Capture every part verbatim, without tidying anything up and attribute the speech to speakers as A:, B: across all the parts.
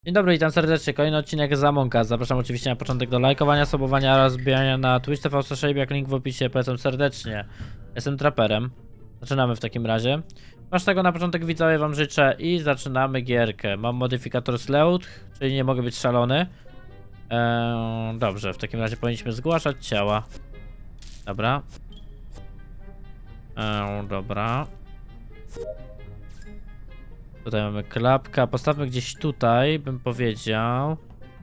A: Dzień dobry, witam serdecznie, kolejny odcinek z Among Us. Zapraszam oczywiście na początek do lajkowania, subowania oraz wbijania na Twitch T V Shape, jak link w opisie, polecam serdecznie. Jestem traperem. Zaczynamy w takim razie. Masz tego na początek widzowie wam życzę i zaczynamy gierkę. Mam modyfikator Sleuth, czyli nie mogę być szalony. Eee, dobrze, w takim razie powinniśmy zgłaszać ciała. Dobra. Eee, dobra. Tutaj mamy klapka. Postawmy gdzieś tutaj, bym powiedział.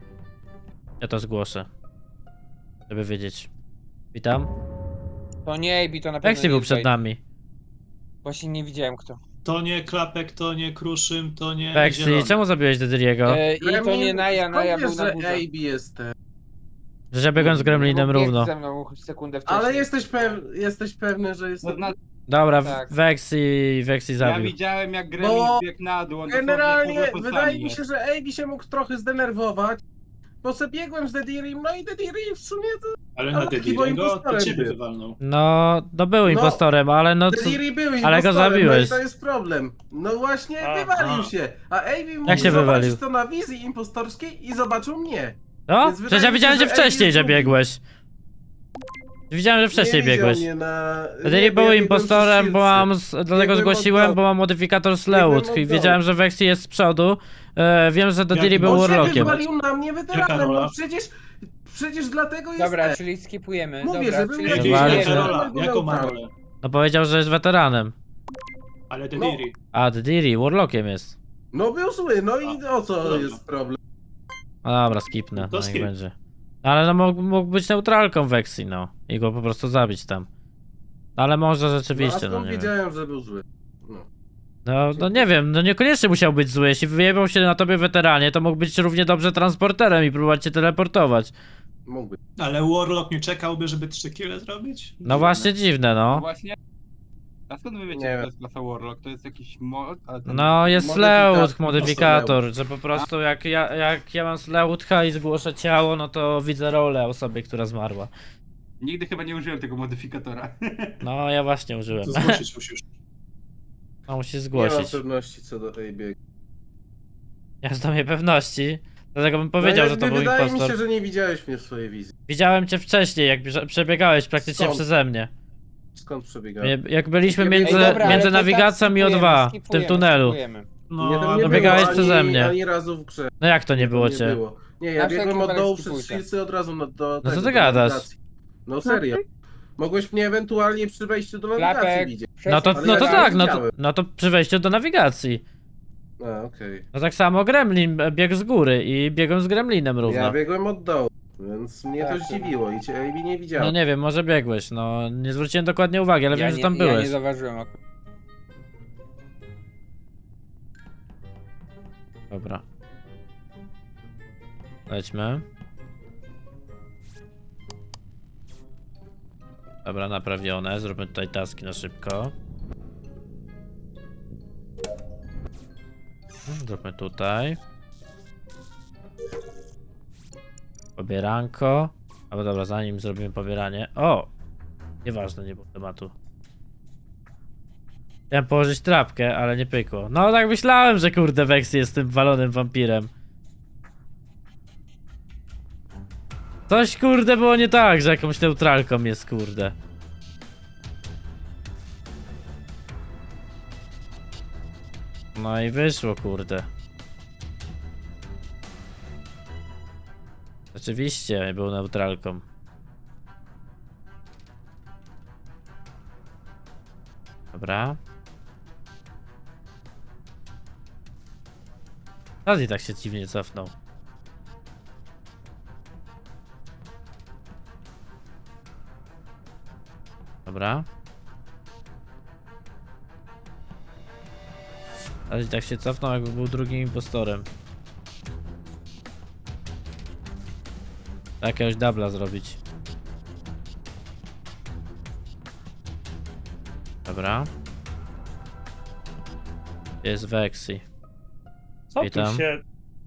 A: Ja to zgłoszę. Żeby wiedzieć. Witam.
B: To nie Ejbi, to na pewno
A: Vexy
B: nie
A: był
B: jest
A: przed
B: Wade.
A: nami.
B: Właśnie nie widziałem kto.
C: To nie Klapek, to nie Kruszym, to nie
A: Vexy,
C: Zielony.
A: czemu zabiłeś Dedriego?
B: E, I to nie Naja, Naja był na
D: że
B: górze.
D: A B jestem.
A: Że ja biegłem z Gremlinem
B: Bo biegł
A: równo.
B: ze mną sekundę wcześniej.
D: Ale jesteś, pew jesteś pewny, że jestem.
E: No,
A: Dobra,
B: Tak.
A: Vexy, Vexy
E: ja
A: zabił.
E: widziałem jak Gremlin
D: Bo
E: biegł na dół, on
D: Generalnie
E: dosłownie pod
D: wydaje
E: plecami
D: mi się,
E: jest.
D: że A B się mógł trochę zdenerwować. Bo sobie biegłem z Dedirim, no i Dediri w sumie to.
C: Ale
D: No,
C: na
D: chyba
C: Dediriego to
D: impostorem
C: ciebie
D: był.
C: wywalnął.
A: No, no był
D: No,
A: impostorem, ale no co...
D: Dediri był
A: ale go
D: impostorem,
A: zabiłeś.
D: No i to jest problem. No właśnie
C: A,
D: wywalił
C: a.
D: się. A A B mógł
A: Jak się
D: zobaczyć
A: wywalił?
D: to na wizji impostorskiej i zobaczył mnie.
A: No?
D: Więc wydaje
A: Przecież ja
D: mi się,
A: widziałem, że
D: że
A: wcześniej,
D: Ej
A: że
D: zgubił.
A: biegłeś. Widziałem, że wcześniej
D: nie
A: biegłeś.
D: Mnie na...
A: Dediri
D: nie, bo
A: był
D: ja biegłem
A: impostorem,
D: przy
A: bo
D: szylce.
A: mam, z- dlatego
D: Biegłem
A: zgłosiłem,
D: od
A: bo
D: dołu.
A: mam modyfikator Sleuth
D: Biegłem
A: i
D: od
A: wiedziałem, że Vexy jest z przodu. E, wiem, że Dediri
C: Jak-
A: był
D: On się
A: Warlockiem.
D: wywalił na mnie
C: Jaka
D: weteranem,
C: rola?
D: no przecież, przecież dlatego jest
B: Dobra,
D: E.
B: czyli skipujemy.
D: Mówię,
B: Dobra,
D: że był
B: czyli
D: jakiś
C: Jaką
A: Bardzo.
B: skipujemy.
C: rola? Jaką ma rolę?
A: No powiedział, że jest weteranem.
C: Ale Dediri.
A: A, Dediri, Warlockiem jest.
D: No był zły, no i o co
C: Dobra.
D: jest problem?
A: No dobra, skipnę,
C: No to
A: no niech
C: skip.
A: będzie. Ale no mógł, mógł być neutralką Vexy, no. I go po prostu zabić tam. Ale może
D: No, a
A: rzeczywiście,
D: skąd
A: no nie wiem.
D: wiedziałem, że był zły? No.
A: No, no nie wiem, no niekoniecznie musiał być zły. Jeśli wyjebał się na tobie weteranie, to mógł być równie dobrze transporterem i próbować cię teleportować.
D: Mógłby.
C: Ale Warlock nie czekałby, żeby trzy kile zrobić?
A: No właśnie dziwne,
E: No
A: no.
E: właśnie. A skąd wy wiecie,
D: Nie
E: że
D: wiem.
E: to jest klasa Warlock? To jest jakiś mod? Ale to
A: No jest
D: Modyfikator,
A: Sleuth, modyfikator,
D: Sleuth.
A: że po prostu jak ja, jak ja mam Sleuth'a i zgłoszę ciało, no to widzę rolę osoby, która zmarła.
E: Nigdy chyba nie użyłem tego modyfikatora.
A: No ja właśnie użyłem.
C: To zgłosić musisz.
A: No musisz
D: Nie mam
A: zgłosić.
D: pewności co do tej biegi.
A: Ja z mnie pewności. Dlatego bym powiedział,
D: no,
A: że to
D: jakby
A: był
D: wydaje
A: impostor.
D: mi się, że nie widziałeś mnie w swojej wizji.
A: Widziałem cię wcześniej, jak bieże- przebiegałeś praktycznie
D: Skąd?
A: przeze mnie.
D: Skąd przebiegałem?
A: Jak- Jak byliśmy
D: Ej,
A: między,
B: dobra, ale
A: między
B: to tak
A: nawigacją i O
B: skipujemy,
A: dwa w tym
B: skipujemy,
A: tunelu.
B: skipujemy.
C: No,
D: Nie, tam nie
C: ale
D: było
A: biegałeś
D: ani,
A: przeze mnie.
D: ani razu w grze.
A: No jak to nie było
D: Nie
A: cię?
D: było. Nie, ja
B: Na wszelki
D: biegłem od
B: wypadek
D: dołu przez
B: skipujcie.
D: szylce od razu na, do
A: co
D: tego,
A: ty
D: do
A: gadasz?
D: nawigacji. No serio. Mogłeś mnie ewentualnie przy wejściu do nawigacji
B: Klapek,
D: widzieć.
A: No to,
D: Ale
A: no
D: ja
A: to
D: nie
A: tak, no to,
D: widziałem.
A: no to przy wejściu do nawigacji.
D: A, okej.
A: No tak samo Gremlin biegł z góry i biegłem z Gremlinem równo.
D: Ja biegłem od dołu, więc mnie
B: Tak,
D: to
B: to-
D: zdziwiło i cię A B nie
A: No
D: widziałem.
A: nie wiem, może biegłeś, no nie zwróciłem dokładnie uwagi, ale
B: ja
A: wiem, że
B: nie,
A: tam
B: Ja
A: byłeś.
B: nie zauważyłem. ok.
A: Dobra. Lećmy. Dobra, naprawione. Zróbmy tutaj taski na szybko. Hmm, Zróbmy tutaj. Pobieranko. Albo dobra, zanim zrobimy pobieranie. O! Nieważne, nie było tematu. Chciałem położyć trapkę, ale nie pykło. No tak myślałem, że kurde Vexy jest tym walonym wampirem. Coś kurde było nie tak, że jakąś neutralką jest kurde. No i wyszło kurde. Rzeczywiście był neutralką. Dobra. Raz tak się dziwnie cofnął. Dobra. Raz tak się cofnął, jakby był drugim impostorem. Tak, jakiegoś dubla zrobić. Dobra. Jest Vexy.
F: Co
A: Witam.
F: tu się...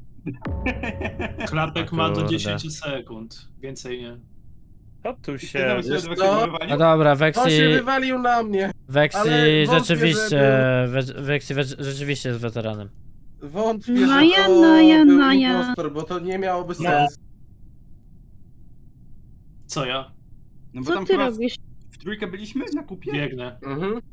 C: Klapek
A: O
C: ma do
A: kurde.
C: dziesięciu sekund. Więcej nie.
F: Co tu
E: Wiesz
F: się...
D: Wiesz co?
A: No dobra,
D: On się
A: Vexy,
D: wywalił na mnie.
A: Vexy
D: ale wątpię,
A: rzeczywiście,
D: że
A: we, Vexy we, rzeczywiście jest weteranem.
D: Wątpię,
G: No
D: że
G: ja,
D: to
G: no ja,
D: był
G: no ja.
D: impostor, bo to nie miałoby
F: No.
D: sensu.
C: Co ja?
E: No bo
G: Co
E: tam
G: ty
E: chyba
G: robisz?
E: w trójkę byliśmy na kupie?
C: Biegnę.
D: Mhm.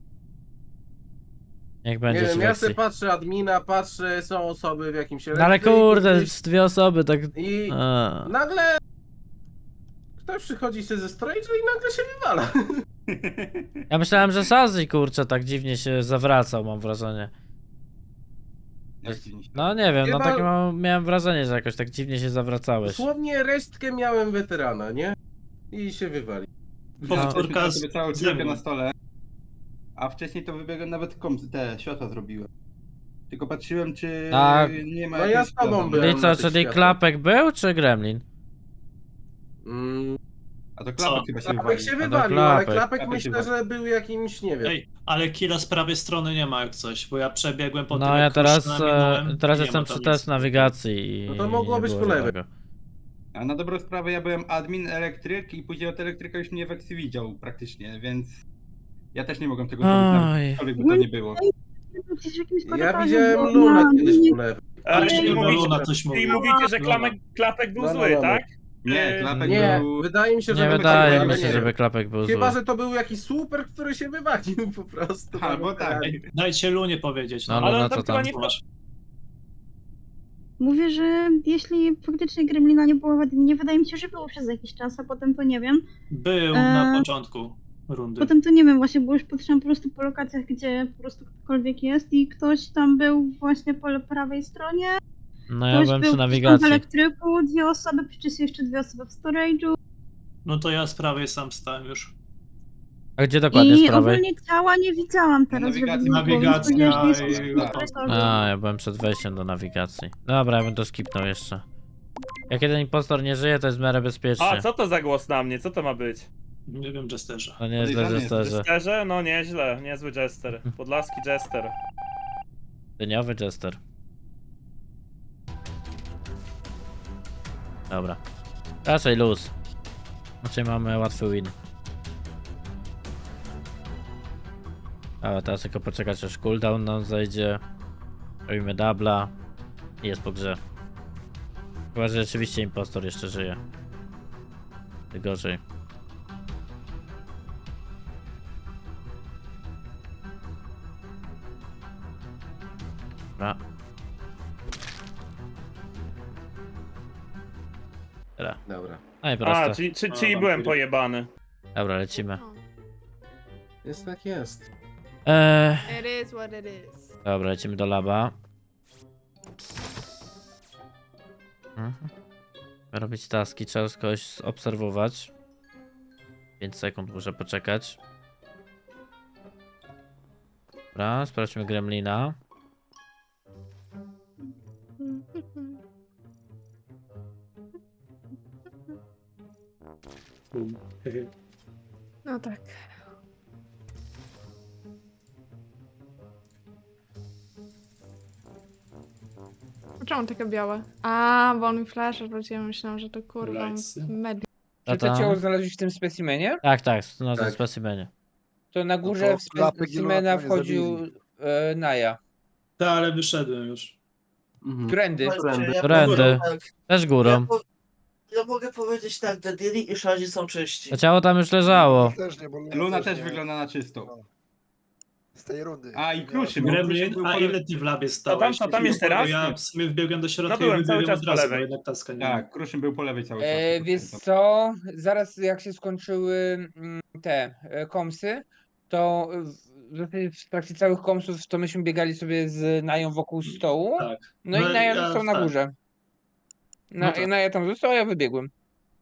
A: Jak
D: Nie
A: będzie
D: wiem,
A: ci
D: ja
A: lekcji.
D: sobie patrzę admina, patrzę, są osoby w jakimś
A: No ale
D: elektryku
A: kurde,
D: gdzieś
A: dwie osoby, tak...
D: I
A: A.
D: nagle ktoś przychodzi się ze storage'u i nagle się wywala.
A: Ja myślałem, że Shazzy, kurczę, tak dziwnie się zawracał, mam wrażenie.
E: Jak dziwnie się-
A: No nie wiem, no
D: Chyba-
A: takie mam, miałem wrażenie, że jakoś tak dziwnie się zawracałeś.
D: Dosłownie resztkę miałem weterana, nie? I się wywali.
C: Powtórka
E: Ja
C: z
E: sobie całą
C: ze
E: trójkę
C: mną.
E: na stole. A wcześniej to wybiegłem nawet kom te światła zrobiłem. Tylko patrzyłem, czy
A: A-
E: nie ma
D: No ja
E: jakiejś
D: z tobą
E: problem.
D: byłem.
A: Czyli
D: na
A: co,
D: tych
A: czyli
D: światłach.
A: Klapek był, czy Gremlin?
D: Mm,
E: A to klapek
C: Co?
E: chyba się
D: klapek
E: wywalił.
D: się
A: to
D: wywalił, ale
A: Klapek.
D: klapek
E: Klapek się
D: myślę, że był jakimś, nie wiem.
C: Ej, ale killa z prawej strony nie ma jak coś, bo ja przebiegłem po tym,
A: No ja
C: jak
A: teraz,
C: Kruszyna
A: e,
C: minąłem,
A: teraz
C: nie
A: jestem
C: ma tam
A: przy
C: nic.
A: test nawigacji i
D: No to mogło
A: nie
D: być
A: było
D: po lewej.
A: żadnego.
E: A na dobrą sprawę ja byłem admin, elektryk i później od elektryka już mnie w Exi widział praktycznie, więc ja też nie mogłem tego zrobić,
A: Oj.
E: nawet cokolwiek by to nie było.
G: Gdzieś w jakimś
D: Ja
G: korytarzu
D: widziałem
G: było
D: Lunę
G: na-
D: kiedyś po lewej.
F: Ale
C: Ale
F: czyli
C: Luna
F: mówicie,
C: coś
F: czyli
C: mówiła.
F: mówicie, że
C: Luna.
F: klamek, klapek był
D: No, no,
F: zły,
D: no, no.
F: tak?
E: Nie,
F: Yy,
E: klapek
D: Nie,
E: był...
D: wydaje mi się, że
A: Nie
D: był
A: wydaje
D: taki,
A: mi
D: ale
A: się,
D: nie
A: żeby
D: wiem.
A: Klapek był
D: Chyba,
A: zły.
D: że to był jakiś super, który się wywalił po prostu.
E: Albo tak.
C: Dajcie Lunie powiedzieć, no.
A: No,
F: Ale
A: no,
F: on
A: co
F: tam
A: tam?
F: chyba nie
C: Masz.
G: Mówię, że jeśli faktycznie Gremlina nie było w adminie, wydaje mi się, że było przez jakiś czas, a potem to nie wiem.
C: Był na
G: Eee,
C: początku rundy.
G: Potem to nie wiem właśnie, bo już patrzyłam po prostu po lokacjach, gdzie po prostu ktokolwiek jest i ktoś tam był właśnie po prawej stronie.
A: No ja
G: Ktoś
A: byłem
G: był
A: przy
G: gdzieś tam w
A: nawigacji.
G: elektryku, dwie osoby, przecież jeszcze dwie osoby w storage'u.
C: No to ja z prawej sam stałem już.
A: A gdzie dokładnie
G: I
A: z prawej?
G: ogólnie ciała nie widziałam teraz, żeby
E: nawigacji-
G: było, więc
C: nawigacja
G: powiedziałam, że nie są
C: i-
G: w
E: tak.
G: korytarzu.
A: A, ja byłem przed wejściem do nawigacji. Dobra, ja bym to skipnął jeszcze. Jak jeden impostor nie żyje, to jest w miarę bezpiecznie.
F: A, co to za głos na mnie? Co to ma być?
C: Nie wiem, Jesterze.
A: To nie jest źle,
E: Podejrzany
A: że
E: jest
A: sterze.
F: Jesterze? No nieźle, niezły jester. Podlaski jester.
A: Dyniowy Jester. Dobra. Raczej luz. Raczej mamy łatwy win. Ale teraz tylko poczekać aż cooldown nam zejdzie. Robimy dubla. I jest po grze. Chyba, że rzeczywiście impostor jeszcze żyje. Ty gorzej. Dobra. Tyle.
D: Dobra.
A: No i
F: A,
A: proste.
F: czyli, czy,
C: A,
F: czyli
C: tam
F: byłem
C: pójdę.
F: pojebany.
A: Dobra, lecimy.
D: Jest tak jest.
A: Eee,
H: It is what it is.
A: dobra, lecimy do laba. Mhm. Robić taski, trzeba kogoś obserwować. pięć sekund muszę poczekać. Dobra, sprawdźmy Gremlina.
H: No tak. Czemu takie białe? A, bo on mi flash wróciłem, myślałam, że to kurwa
C: Lajcy.
H: med.
B: Czy to
A: tam?
B: ciało znaleźliś w tym specimenie?
A: Tak, tak, na tym
D: Tak.
A: specimenie.
B: To na górze
I: No to
B: w
I: klapek i
B: specimena
I: Luna nie
B: wchodził e, Naja.
C: Tak, ale wyszedłem już.
D: Mhm.
B: Którędy?
D: Którędy?
A: Którędy?
I: Tak,
A: Też
I: ja,
A: górą.
I: po, ja mogę powiedzieć tak, Dediri i Shazzy są czyści.
A: To ciało tam już leżało.
I: Też nie, bo
E: Luna też
I: nie.
E: wygląda na czysto.
I: Z tej rundy.
E: A, i Kruszym.
I: Ja-
C: Gremlin,
E: był
C: a
E: po-
C: ile ty w labie
F: To
C: stałeś?
F: tam, to tam jest teraz?
C: Ja w sumie wbiegłem do środka
F: No byłem
C: i
F: cały
C: wybiegłem
F: czas
C: od
F: po
C: razu, bo
F: lewej.
C: jednak taska nie
E: Tak, Kruszym był po lewej cały czas.
B: E, wiesz co? Zaraz jak się skończyły mm, te e, komsy, to w, w trakcie całych komsów to myśmy biegali sobie z Nają wokół stołu.
C: Tak.
B: No,
C: No
B: i Naja
C: ja-
B: został na
C: tak.
B: górze. Na,
C: No tak.
B: Naja tam został, a ja wybiegłem.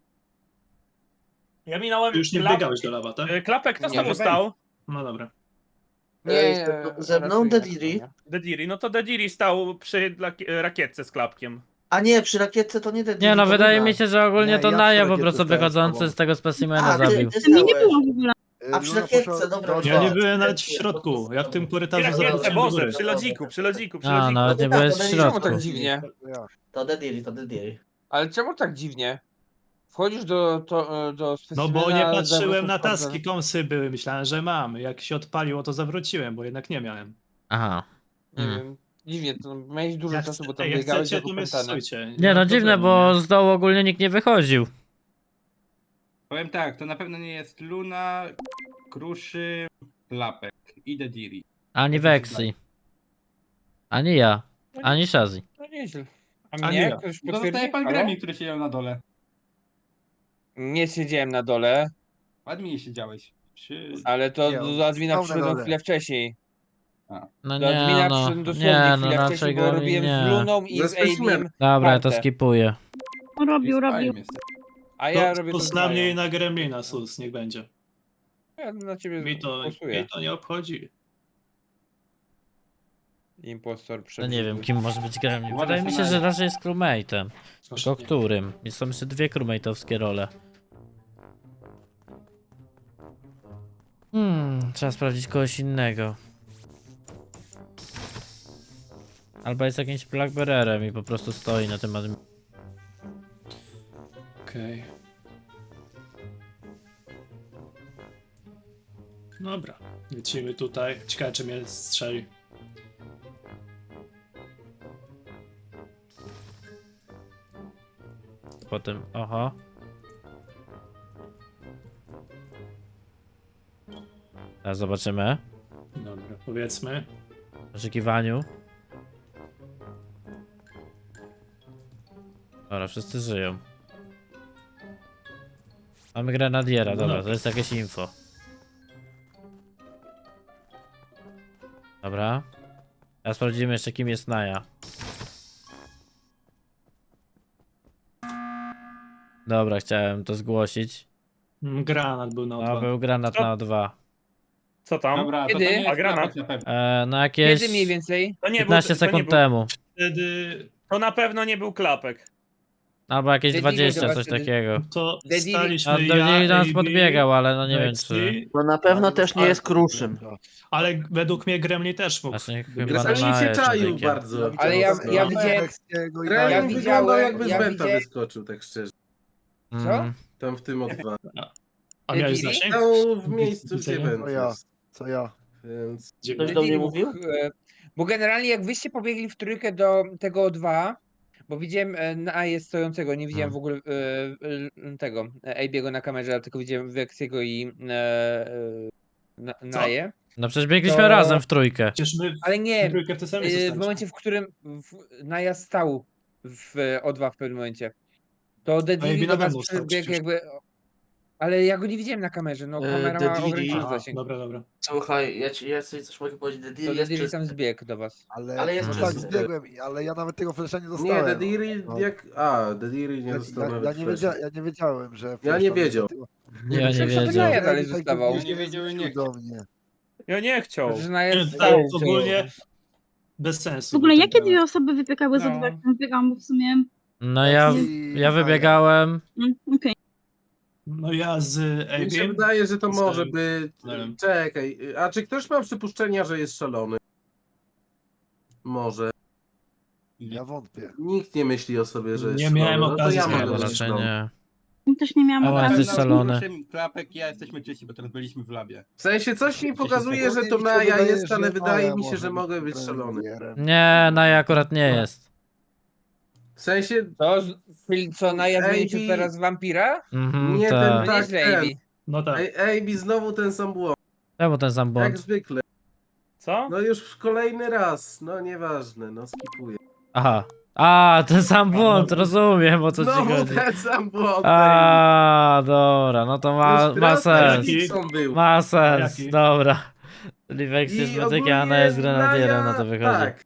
F: Ja minąłem
C: Ty już nie
F: klap...
C: wbiegałeś do lawa, tak?
F: e, Klapek, kto z
E: Nie,
F: tobą
E: że
F: stał?
C: No dobra.
I: Ej, ze mną
B: raczej
I: Dediri?
B: nie.
F: Dediri, no to Dediri stał przy laki- e, rakietce z klapkiem.
I: A nie, przy rakietce to nie Dediri.
A: Nie no,
I: to
A: wydaje
I: Luna.
A: mi się, że ogólnie
I: Nie,
A: to
I: ja
A: Naja
I: przy
A: po
I: rakietce
A: prostu
I: stałem z
A: wychodzący
I: tobą.
A: z tego specimena
I: A, ty,
A: zabił.
I: ty
G: Mnie nie
I: stałeś.
G: było w ogóle.
I: Y, A przy Luna rakietce, poszła- dobra. poszła-
C: Ja nie
I: Tak.
C: byłem nawet w środku. Ja w tym
F: Przy
C: korytarzu
F: rakietce,
C: zobaczyłem do
F: Boże,
C: góry.
F: przy lodziku, przy lodziku, przy
A: A,
F: lodziku.
A: nawet nie
I: tak,
A: byłeś
I: to
A: w
I: będzie-
B: Czemu
A: środku.
B: tak dziwnie?
I: Ja. To Dediri, to Dediri.
B: Ale czemu tak dziwnie? Wchodzisz do, to, do
C: No
B: specimena...
C: bo nie patrzyłem
B: zawrócił
C: na
B: wchodzę.
C: taski, kąsy były, myślałem, że mam. Jak się odpaliło, to zawróciłem, bo jednak nie miałem.
A: Aha.
B: Nie
A: Mm.
B: wiem. dziwnie, to miałeś dużo
C: Jak,
B: czasu, bo
C: chce-
B: tam
C: ej, jak
B: biegałeś
C: chcecie,
B: jako
C: to mnie
B: pętany.
C: stosujcie.
A: Nie no,
C: ma
A: dziwne,
C: problemu,
A: bo
C: nie?
A: z dołu ogólnie nikt nie wychodził.
E: Powiem tak, to na pewno nie jest Luna, Kruszy, Klapek i Dediri.
A: Ani
E: Tak mi się
A: Vexi.
E: wydaje.
A: Ani ja.
B: No nie-
A: Ani Shazzy.
B: No nieźle. A
C: A
B: mnie?
C: nie ja.
B: Ktoś
E: No zostaje
B: potwierdzi?
E: pan
B: Halo?
E: Gremlin, który siedział na dole.
B: Nie siedziałem na dole,
E: W adminie siedziałeś. Przy...
B: ale to
J: Nie,
B: do,
J: on
B: do admina
J: stał na
B: przyszedłem
J: dole.
B: chwilę wczśniej.
A: No
B: Do admina
A: nie no,
B: przyszedłem dosłownie
A: nie no,
B: chwilę
A: raczej
B: wcześniej, bo
A: Gremlin
B: robiłem
A: nie.
B: z Luną i
D: Ze
B: z
D: specimenem.
B: Abim,
A: Dobra, ja to
B: kartę.
A: skipuję.
G: Robił, robił.
B: a ja
C: To,
B: robię
C: to
B: to
C: z
B: z
C: na mnie
B: Mają.
C: i na Gremlina, sus, niech będzie.
B: Ja na ciebie
C: Mi to,
B: głosuję.
C: mi to nie obchodzi.
B: Impostor
A: No
B: przebiegł.
A: nie wiem, kim może być Gremlin.
E: Ładny
A: Wydaje mi się, że
E: scenariusz.
A: raczej jest crewmate'em.
C: Proszę
A: Tylko
C: nie.
A: którym? I są jeszcze dwie crewmate'owskie role. Hmm, trzeba sprawdzić kogoś innego. Albo jest jakimś Blackbearerem i po prostu stoi na tym admin.
C: Okej. Dobra, lecimy tutaj. Ciekawe, czy mnie strzeli.
A: Potem, oho. Teraz zobaczymy.
C: Dobra, powiedzmy.
A: W oczekiwaniu. Dobra, wszyscy żyją. Mamy grenadiera,
C: No
A: dobra,
C: dobra.
A: to jest jakieś info. Dobra. Teraz sprawdzimy jeszcze, kim jest Naja. Dobra, chciałem to zgłosić.
C: Mm, Granat był na
A: No,
C: odwrót.
A: był granat
F: Co?
A: na O dwa.
F: Co tam?
E: Dobra, to, to
B: Kiedy?
E: nie jest
F: A granat?
E: Klapek na pewno.
A: E, no jakieś
B: Kiedy mniej więcej?
F: To nie
A: piętnaście
F: był, to nie
A: sekund
F: był,
A: temu.
C: Wtedy
F: To na pewno nie był klapek.
A: Albo jakieś
B: Dediri
A: dwadzieścia,
B: chyba
A: coś
B: wtedy-
A: takiego.
C: to
B: Dediri-
C: staliśmy
A: A do
C: ja,
A: niej do nas
C: A B,
A: podbiegał, ale no nie wiem
C: Vexi,
A: czy...
I: No na pewno
J: Ale
I: też nie
C: ale-
I: jest Kruszym.
C: Ale według mnie Gremlin też mógł.
A: Właśnie chyba
D: Gremlin
A: na
D: się
A: jeszcze
D: czaił
A: dykiem.
D: bardzo.
B: Ale ja-
D: mocno.
B: ja
J: No,
B: widziałem-
J: Wexiego i
D: Gremlin
B: ja
J: Naja.
B: widziałem-
D: wyglądał jakby
B: ja
D: z Wenta
B: widziałem-
D: wyskoczył, tak szczerze.
A: Mhm.
D: Tam w tym O dwa.
C: A miałeś
B: Dediri?
C: zasięg?
D: Stał w miejscu, gdzie
C: Widzenia?
D: Went
J: To ja.
D: jest.
J: Co ja?
D: Więc...
C: Gdzie
I: Ktoś
C: był?
I: do mnie
B: Dediri
I: mówił?
B: mógł, e, Bo generalnie jak wyście pobiegli w trójkę do tego O dwa, bo widziałem e, na jest stojącego, nie widziałem
A: Hmm.
B: w ogóle e, e, tego e, Abiego na kamerze, a tylko widziałem Vexiego i e, e, na, Naję.
A: No przecież biegliśmy
B: To-
A: razem w trójkę.
C: Przecież my
B: Ale
C: w
B: nie,
C: trójkę w tym samym
B: e, w
C: zostaliśmy.
B: momencie, w którym w, Naja stał w O dwa w pewnym momencie, to Dediri
C: Abby
B: do
C: nade
B: was
C: mną stał
B: przybiegł
C: przecież.
B: jakby... Ale ja go nie widziałem na kamerze, no
I: E,
B: kamera ma
I: Dediri-
B: ograniczony
C: Aha,
B: zasięg.
C: dobra, dobra.
I: Słuchaj, ja, ci, ja sobie coś mogę powiedzieć.
B: To
I: Dediri jest
B: Dediri
I: czysty.
B: tam zbiegł do was.
J: Ale,
I: Ale jest
J: no tak,
I: czysty.
J: zbiegłem, ale ja nawet tego flesza nie
D: Nie,
J: dostałem.
D: Dediri
J: No.
D: jak... A, Dediri nie
J: Ja,
D: dostał
J: ja,
D: nawet
J: ja, nie
D: flasha.
J: wiedzia, ja nie wiedziałem, że...
D: Ja
J: flash
D: nie
J: tam
D: wiedział.
J: jest.
A: Ja nie
B: Przecież to
A: wiedział.
B: Naja dalej
J: Tak
B: zostawał.
J: głównie
E: Nie wiedział i nie
J: do mnie.
F: Ja nie chciał.
B: Że Naja
C: Nie,
B: stał.
C: tak, ogólnie bez sensu.
G: W ogóle
C: był
G: jakie
C: ten
G: dwie
C: granat.
G: osoby wybiegały z
B: No.
G: O dwa, jak tam biegam, bo w sumie...
A: No ja,
J: I
A: ja
J: Naja.
A: wybiegałem.
G: Mm, Okej.
C: No ja z
D: Mi się
C: A B.
D: wydaje, że to
C: Zostałem
D: może być...
C: tunelem.
D: Czekaj, a czy ktoś ma przypuszczenia, że jest szalony? Może.
J: Ja wątpię.
D: Nikt nie myśli o sobie, że jest
C: Nie
D: szalony.
C: miałem
D: no to
C: okazji
D: ja
C: z
A: Nie,
D: mogę
C: tego
A: bo
D: być
A: raczej
D: szalony.
A: nie.
G: Też nie miałam
A: A,
G: okazji.
A: jesteś szalony.
E: Kruszym, Klapek, ja jesteśmy czyści, bo teraz byliśmy w labie.
D: W sensie coś mi pokazuje, że
J: Mi
D: to
J: się
D: Naja
J: wydaje,
D: jest, ale
J: że
D: wydaje
J: Naja
D: mi się,
J: może
D: że mogę być
J: premierem.
D: szalony.
A: Nie, Naja akurat nie jest.
D: W sensie
B: To, z- czyli co, Naja zmienił się
D: Ejbi-
B: teraz w wampira?
A: Mhm,
D: Nie, ten
A: tak.
D: tak.
B: Nieźle,
D: ten.
B: Ejbi.
C: No tak.
D: Ej, Ejbi znowu ten sam błąd,
A: Czemu ten sam
D: jak
A: błąd?
D: zwykle.
F: Co?
D: No już kolejny raz, no nieważne, no skipuję.
A: Aha. A, ten sam błąd, rozumiem o co ci
D: Znowu
A: chodzi.
D: ten sam błąd.
A: A, dobra, no to ma,
D: Już
A: ma
D: raz
A: sens.
D: taki Dixon był.
A: Ma sens,
C: Jaki?
A: dobra. Czyli Vex jest
D: I
A: medykiem, a
D: ogólnie
A: Naja jest grenadierem,
D: Naja-
A: no to wychodzi.
D: Tak,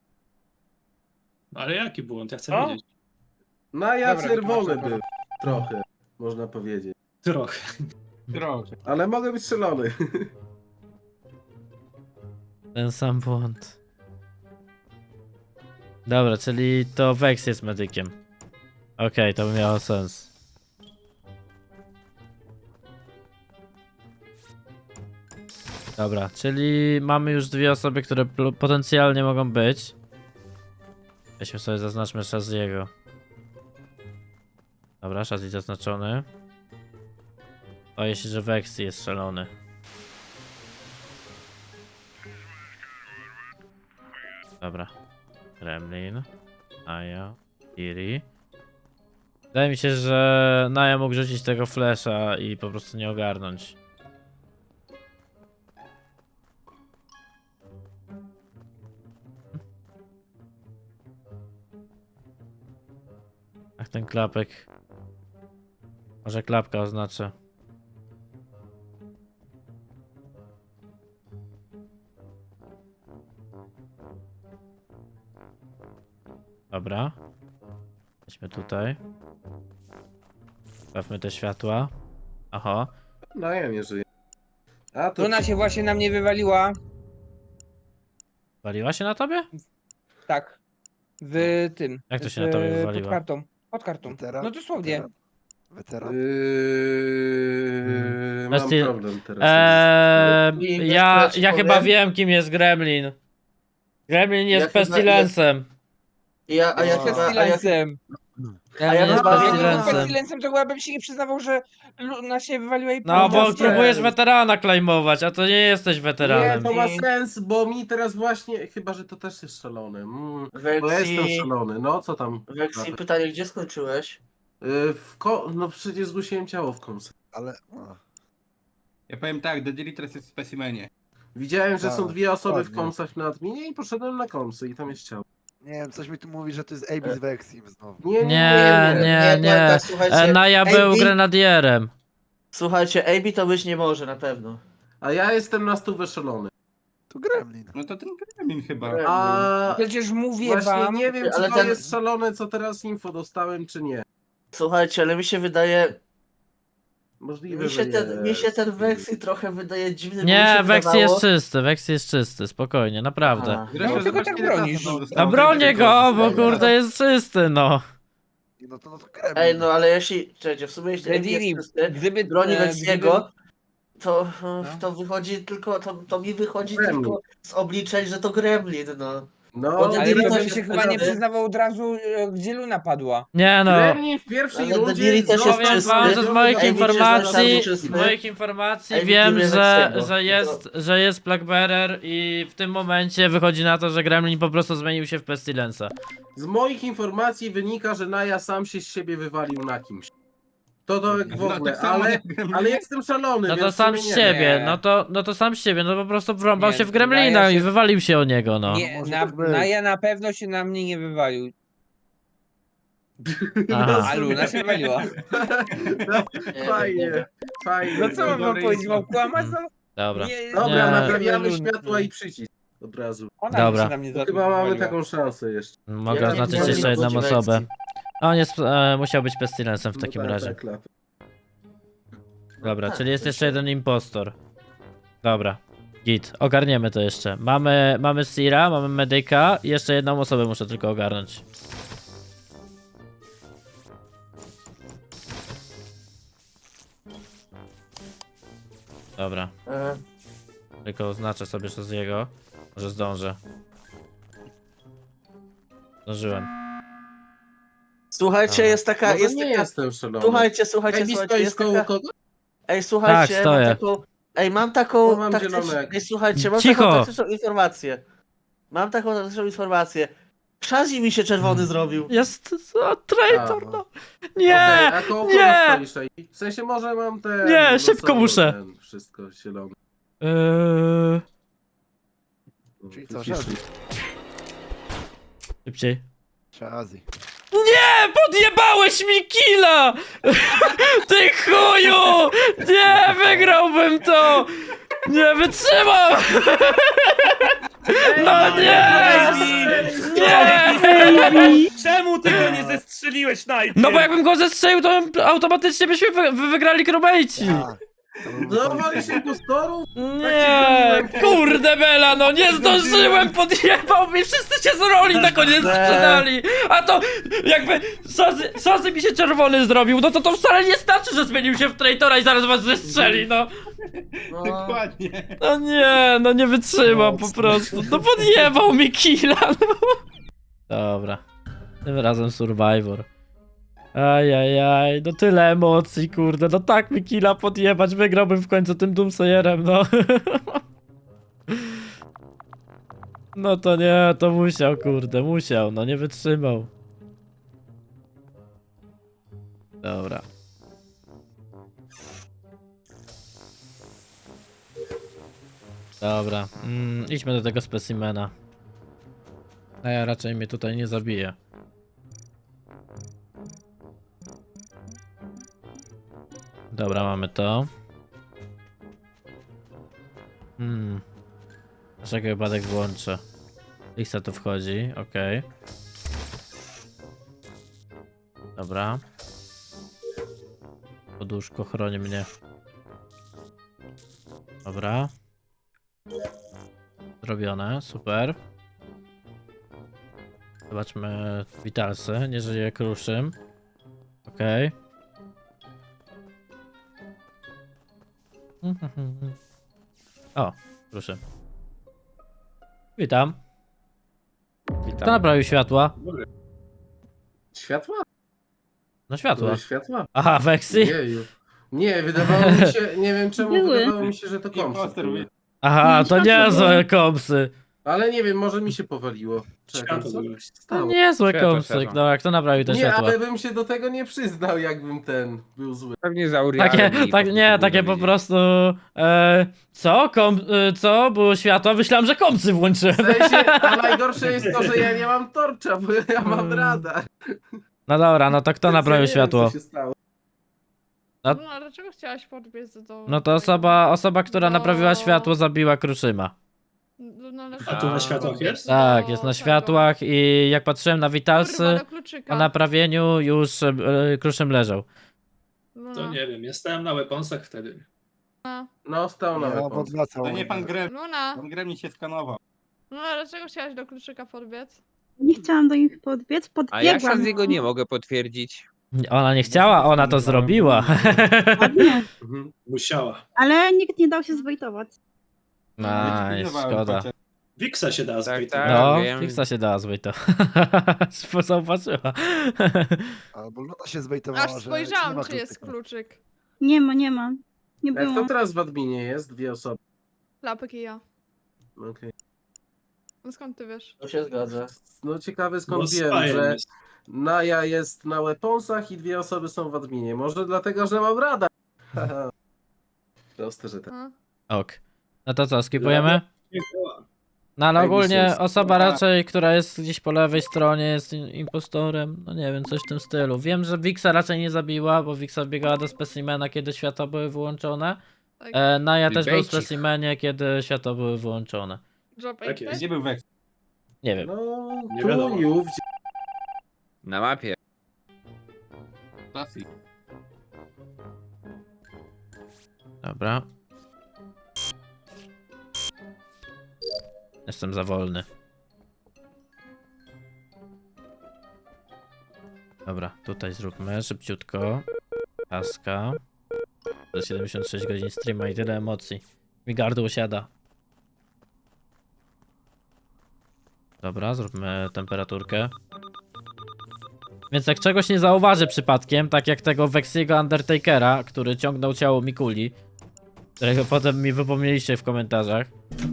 C: Ale jaki błąd? Ja chcę
F: Co?
C: wiedzieć.
D: Naja
B: Dobra,
D: czerwony
B: wytłumaczę.
D: był. Trochę, można powiedzieć.
C: Trochę.
E: Trochę.
D: Ale mogę być strzelony.
A: Ten sam błąd. Dobra, czyli to Vex jest medykiem. Okej, to by miało sens. Dobra, czyli mamy już dwie osoby, które pl- potencjalnie mogą być. Weźmy sobie, zaznaczmy Shaziego. Dobra, Shazi zaznaczony. Boję się, że Vexy jest szalony. Dobra. Gremlin, Naya, Kiri. Wydaje mi się, że Naya mógł rzucić tego flesza i po prostu nie ogarnąć. Ach, ten klapek. Może klapka oznacza. Dobra. Weźmy tutaj. Stawmy te światła. Aha.
D: No ja nie żyję. A to
B: Luna się właśnie na mnie wywaliła.
A: Waliła się na tobie?
B: Tak. W tym.
A: Jak to się
B: w-
A: na tobie
B: Pod
A: wywaliła?
B: kartą. Pod kartą.
J: Weteran?
B: No dosłownie.
J: Weteran?
D: Yy, mam
A: Bestii-
D: problem teraz.
A: Eee, ja,
I: ci
A: ja
I: powiem?
A: chyba wiem, kim jest Gremlin. Gremlin jest
I: Ja chyba-
A: Pestilencem.
I: Ja, a ja
J: No.
I: chyba, a ja,
B: Pestilencem.
A: Gremlin
I: ja
A: jest
I: chyba-
B: Jakbym był
A: Pestilencem.
B: Pestilencem, to chyba bym się nie przyznawał, że Luna się wywaliła i
A: No, bo
B: powiedział, że-
A: próbujesz weterana klejmować, a to nie jesteś
D: Nie,
A: weteranem.
D: to ma sens, bo mi teraz właśnie, chyba że to też jest szalone. Mm, bo ja
I: Weksi,
D: jestem szalony, no co tam?
I: Weksi, pytanie, gdzie skończyłeś?
D: Yy, w ko- no przecież zgłosiłem ciało w komsy.
J: Ale... A.
E: Ja powiem tak, The Daily teraz jest w specimenie.
D: Widziałem, że są
J: Tak,
D: dwie osoby w
J: dokładnie.
D: komsach na adminie i poszedłem na komsy i tam jest ciało.
J: Nie wiem, coś mi tu mówi, że to jest Abby z Vexim znowu.
D: Nie, nie,
A: Nie, nie,
I: nie,
A: nie.
I: tak, słuchajcie,
A: E, Naya
I: Ej,
A: był
I: i-
A: grenadierem.
I: Słuchajcie, A B to być nie może na pewno.
D: A ja jestem na stówę szalony.
J: To Gremlin.
E: No to ten Gremlin chyba.
D: A
B: Przecież mówię
D: właśnie
B: wam.
D: nie wiem, czy
I: Ale
D: to
I: ten-
D: jest szalone, co teraz info dostałem, czy nie.
I: Słuchajcie, ale mi się wydaje,
D: Możliwe,
I: mi się
D: że
I: ten, mi się
D: jest.
I: ten Weksi trochę wydaje dziwny, bo mi
A: Nie,
I: się
A: Vexy
I: wydawało-
A: jest czysty, Vexy jest czysty, spokojnie, naprawdę.
I: Aha.
E: Zresztą
B: No, tylko
E: zobaczcie,
B: tak
E: ile czasu
B: bronisz.
E: tam
A: A
E: zostało.
A: bronię go, bo
I: Dobra.
A: kurde jest czysty, no.
J: No to, no to Gremlin.
I: Ej, no ale jeśli, czekajcie, w sumie jeśli A B
B: Rediri,
I: jest czysty,
B: gdyby
I: broni
B: e,
I: Weksiego, to,
B: No.
I: to wychodzi tylko, to, to mi wychodzi
D: Gremlin.
I: tylko z obliczeń, że to Gremlin, no.
D: No,
I: Bo
B: Ale
I: Dediri
B: to
I: też
B: bym
I: jest
B: się chyba nie
I: czysty.
B: przyznawał od razu, e, gdzie Luna padła.
A: Nie no.
D: Gremlin w pierwszej
I: Ale
D: rundzie...
I: Dediri też jest
A: Powiem
I: czysty.
A: wam, że z moich
I: Ej, wiecie, że
A: informacji,
I: jest
A: z
I: czysty?
A: moich informacji
I: Ej,
A: wiem,
I: widzimy
A: że,
I: Weksiego.
A: że jest, że jest Blackbearer i w tym momencie wychodzi na to, że Gremlin po prostu zmienił się w Pestilensa.
D: Z moich informacji wynika, że Naya sam się z siebie wywalił na kimś. To to jak w
E: No,
D: ogóle,
E: tak samo
D: ale,
E: jak Gremlin.
D: ale jestem szalony,
A: No to
D: więc w
A: sam
D: sumie
A: z
D: nie.
A: siebie,
B: Nie.
A: no to, no to sam z siebie, no po prostu wrąbał
B: Nie,
A: się w Gremlina
B: Naya
A: i
B: się-
A: wywalił się o niego, no.
B: Nie,
J: może
B: na,
J: tak być.
B: na ja na pewno się na mnie nie wywalił.
A: Aha.
B: A Luna się wywaliła.
I: Nie,
D: Fajnie, fajnie.
B: No co mam wam
E: Dobry
B: powiedzieć, mam
E: info.
B: kłamać? No,
A: Dobra.
B: nie,
D: Dobra,
A: Nie.
D: naprawiamy
B: Luny.
D: światła i przycisk od razu.
B: Ona
A: Dobra.
B: się na mnie
D: Bo
B: za-
D: chyba mamy
B: wywaliła.
D: taką szansę jeszcze.
A: Mogę
I: Ja
A: oznaczyć
I: nie
A: jeszcze
I: wiem,
A: jedną
I: chodzi
A: osobę.
I: Weksi.
A: A on jest, e, musiał być Pestilensem w takim
D: No tak,
A: razie.
D: tak, klapy.
A: Dobra,
I: tak,
A: czyli jest
I: to
A: jeszcze
I: się-
A: jeden impostor. Dobra. Git, ogarniemy to jeszcze. Mamy, mamy Sira, mamy Medyka i jeszcze jedną osobę muszę tylko ogarnąć. Dobra,
I: E,
A: tylko oznaczę sobie z jego. Może zdążę. Zdążyłem.
I: Słuchajcie,
A: Dobra.
I: jest taka,
D: No to
I: jest
D: nie
I: taka,
D: jestem szalony.
I: słuchajcie, słuchajcie,
D: Ej,
I: słuchajcie,
D: stoisz
I: jest
D: koło
I: taka,
D: kogo?
I: ej, słuchajcie,
A: Tak, stoję.
I: mam taką, ej, mam taką
D: No, mam
I: taktyczną,
D: zielone.
I: ej, słuchajcie, mam
A: Cicho.
I: taką taktyczną informację. Mam taką taktyczną informację. Shazzy mi się czerwony zrobił.
A: Jest o, traitor,
J: A,
A: no.
D: Okej,
A: Nie!
D: a koło kogo
A: nie!
D: stoisz? Ej? W sensie może mam te...
A: Nie,
D: no
A: szybko
D: co,
A: muszę.
D: Ten, wszystko zielone.
A: Eee,
J: Czyli co,
D: Wyciszy.
J: Shazzy?
A: szybciej.
J: Shazzy.
A: Nie, podjebałeś mi killa! Ty chuju! Nie, wygrałbym to! Nie wytrzymam! No nie! Nie!
F: Czemu ty go nie zestrzeliłeś najpierw?
A: No bo jakbym go zestrzelił, to automatycznie byśmy wy wy wygrali crewmate'ci.
J: A, to był
D: No walisz impostorów?
A: Nie, kurde Bela, no nie zdążyłem, podjebał mi, wszyscy się z roli na koniec sprzedali. A to jakby Shazzy, Shazzy mi się czerwony zrobił, no to to wcale nie znaczy, że zmienił się w traitora i zaraz was zestrzeli, no.
I: No,
E: Dokładnie.
A: No nie, no nie wytrzymam po prostu, no podjebał mi killa, no. Dobra, tym razem Survivor. Ajajaj, no tyle emocji, kurde, no tak mi killa podjebać, wygrałbym w końcu tym Doomsayerem, no. No to nie, to musiał, kurde, musiał, no nie wytrzymał. Dobra. Dobra, mm, idźmy do tego specimena. A ja raczej mnie tutaj nie zabiję. Dobra, mamy to. Hmm. Dlaczego wypadek włączę? Lista tu wchodzi, okej. Dobra. Poduszko chroni mnie. Dobra. Zrobione, super. Zobaczmy witalsy, nie żyje kruszym. Okej. O, kruszym. Witam. Kto naprawił światła?
D: Światła?
A: No światła.
D: Były światła?
A: Aha, Weksy?
D: Jeju. Nie, wydawało mi się, nie wiem czemu,
G: Były.
D: wydawało mi się, że to kompsy
E: Imposter
D: były.
E: mówi.
A: Aha, to niezłe kompsy.
D: Ale nie wiem, może mi się powaliło. Czekaj,
C: Światło
D: co
C: były.
D: się
A: To
D: stało?
A: niezłe
B: Światła,
A: kompsy.
B: światła.
A: Dobra, kto naprawił te
D: Nie,
A: światła?
D: ale bym się do tego nie przyznał, jakbym ten był zły.
B: Pewnie za Urialem
A: Takie,
B: i po
A: tak,
B: prostu
A: nie,
B: był
A: takie po
B: dowiedzieć.
A: prostu. E, co? Kom, e, co? Było światła? Myślałem, że kompsy włączyłem.
D: W sensie, a najgorsze jest to, że ja nie mam torcza, bo ja mam
A: Mm.
D: radar.
A: No dobra, no to kto
D: Więc ja
A: naprawił
D: nie wiem,
A: światło?
D: co się stało.
A: No-
H: No ale dlaczego chciałaś podbiec do...
A: No to osoba, osoba, która
H: No.
A: naprawiła światło, zabiła Kruszyma.
H: No, no, ale-
C: A tu na światłach jest?
A: Tak,
H: Do
A: jest na
H: tego.
A: światłach i jak patrzyłem na
H: Kurwa,
A: witalsy,
H: do kluczyka.
A: po naprawieniu już e, Kruszym leżał.
H: No,
C: To nie wiem, ja stałem na weaponsach wtedy.
H: no.
D: No, stał na
J: Ja
D: weapons.
J: odwracał.
E: To nie pan Grem,
H: Luna,
E: pan Gremlin się skanował.
H: no ale dlaczego chciałaś do kluczyka podbiec?
G: Nie chciałam do nich podbiec,
B: A ja
G: podbiegłam.
B: z jego nie mogę potwierdzić.
A: Ona nie chciała, ona to zrobiła.
G: Ładnie,
D: Mhm.
C: Musiała.
G: ale nikt nie dał się zwejtować.
A: Nice, szkoda.
C: Wiksa się da
B: Tak,
C: zbyt.
B: tak.
A: No,
B: wiem.
A: Fixa się dała zbyt to. Zauważyła.
J: Albo Luna się zbejtowała,
H: Aż
J: że
H: spojrzałam,
J: nie ma
H: czy jest
J: kluczyka.
H: kluczyk.
G: Nie ma, nie ma. Nie
D: Jak
G: było.
D: to teraz w adminie jest? Dwie osoby.
H: Lapek i ja.
D: Okej.
H: No skąd ty wiesz?
I: To się zgadza.
D: No ciekawe
C: No,
D: skąd wiem,
C: spajem
D: że
C: jest.
D: Naja jest na weaponsach i dwie osoby są w adminie. Może dlatego, że mam radar. Haha. Proste, że tak.
H: A?
A: Ok. No to co, skipujemy?
C: Nie działa.
A: No ale
D: Tak,
A: ogólnie
D: jest.
A: osoba raczej, która jest gdzieś po lewej stronie jest im- impostorem, no nie wiem, coś w tym stylu. Wiem, że Wixa raczej nie zabiła, bo Wixa biegała do specimena, kiedy światła były wyłączone.
H: Tak.
A: E, Naja też był w
B: Bejcik.
A: specimenie, kiedy światła były wyłączone.
H: Job
C: Tak jest.
E: Gdzie był Wex?
A: Nie wiem.
D: No,
C: Nie
D: tu,
C: wiadomo.
D: już.
B: Na mapie.
E: Klasy.
A: Dobra. Jestem za wolny. Dobra, tutaj zróbmy szybciutko. Taska. Za siedemdziesiąt sześć godzin streama i tyle emocji. Mi gardło siada. Dobra, zróbmy temperaturkę. Więc jak czegoś nie zauważy przypadkiem, tak jak tego Wexiego Undertakera, który ciągnął ciało Mikuli, którego potem mi wypomnieliście w komentarzach.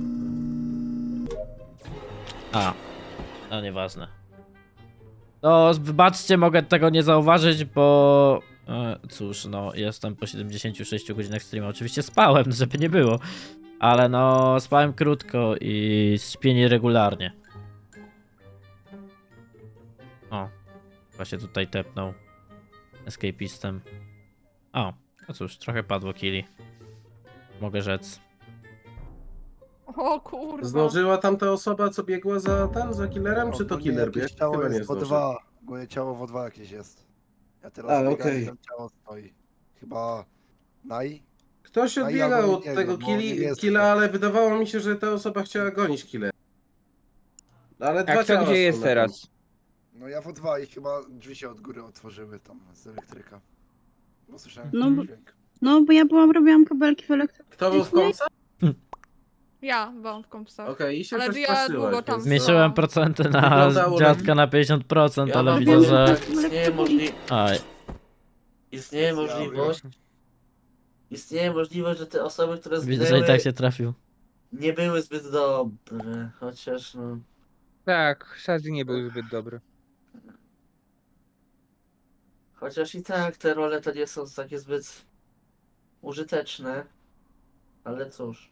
A: A, no nieważne. No, wybaczcie, mogę tego nie zauważyć, bo... E, cóż, no, jestem po siedemdziesięciu sześciu godzinach streama. Oczywiście spałem, żeby nie było. Ale no, spałem krótko i śpię nieregularnie. O, chyba się tutaj tepnął. Escapistem. O, no cóż, trochę padło killi. Mogę rzec.
H: O kurwa.
D: Zdążyła tam ta osoba, co biegła za ten, za killerem, czy to
J: Ogólnie
D: killer
J: jakieś
D: biegł?
J: ciało
D: Chyba nie
J: jest w O
D: zdążył.
J: dwa. Ogólnie ciało w O dwa jakieś jest. Ja teraz
D: A,
J: biegam
D: okej.
J: i tam ciało stoi. Chyba Nai?
D: Ktoś
J: A ja
D: odbiegał
J: go
D: od
J: nie
D: tego
J: wiem, bo
D: killi,
J: niebieskie.
D: killa, ale wydawało mi się, że ta osoba chciała gonić killer. Ale dwa
B: A kto
D: ciała
B: gdzie
D: są
B: jest
D: na
B: teraz?
J: No ja w O dwa i chyba drzwi się od góry otworzyły tam z elektryka. Bo słyszałem
G: No
J: ten
G: bo-
J: dźwięk.
G: No, bo ja byłam, robiłam kabelki w elektryku.
D: Kto był w komsa?
H: Ja byłam w kompsach.
D: Okej, i się
H: Ale ja
D: przestraszyłaś,
H: długo tam
D: więc-
A: Zmniejszyłem procenty na
D: Wyglądało
A: dziadka na pięćdziesiąt procent,
I: Ja
A: ale
I: mam
A: widzę,
G: wiem,
A: że...
G: tak.
I: Istnieje, możli...
A: Aj,
I: Istnieje możliwość... Istnieje możliwość, że te osoby, które
A: widzę,
I: zginęły...
A: że i tak się trafił.
I: nie były zbyt dobre, chociaż no...
B: Tak, Shazzy nie był zbyt dobry.
I: Chociaż i tak te role to nie są takie zbyt użyteczne. Ale cóż.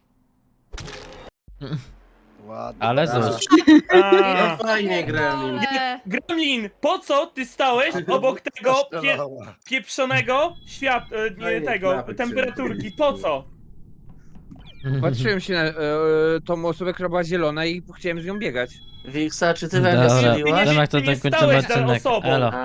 J: Ładnie.
A: Ale
D: Tak.
A: cóż.
F: A,
D: No fajnie, Gremlin.
H: Ale...
F: Gremlin, po co ty stałeś obok tego pie
J: Strzelała.
F: pieprzonego świat... e, nie,
D: Fajnie,
F: tego,
D: klapek
F: temperaturki,
D: się
F: po co?
B: Patrzyłem się na e, tą osobę, która była zielona i chciałem z nią biegać.
I: Wiksa, czy ty we mnie
A: Dobra,
I: strzeliłaś?
A: Demek to
F: Ty nie
A: tak kończymy
F: stałeś za
A: odcinek.
F: osobą.
A: Elo.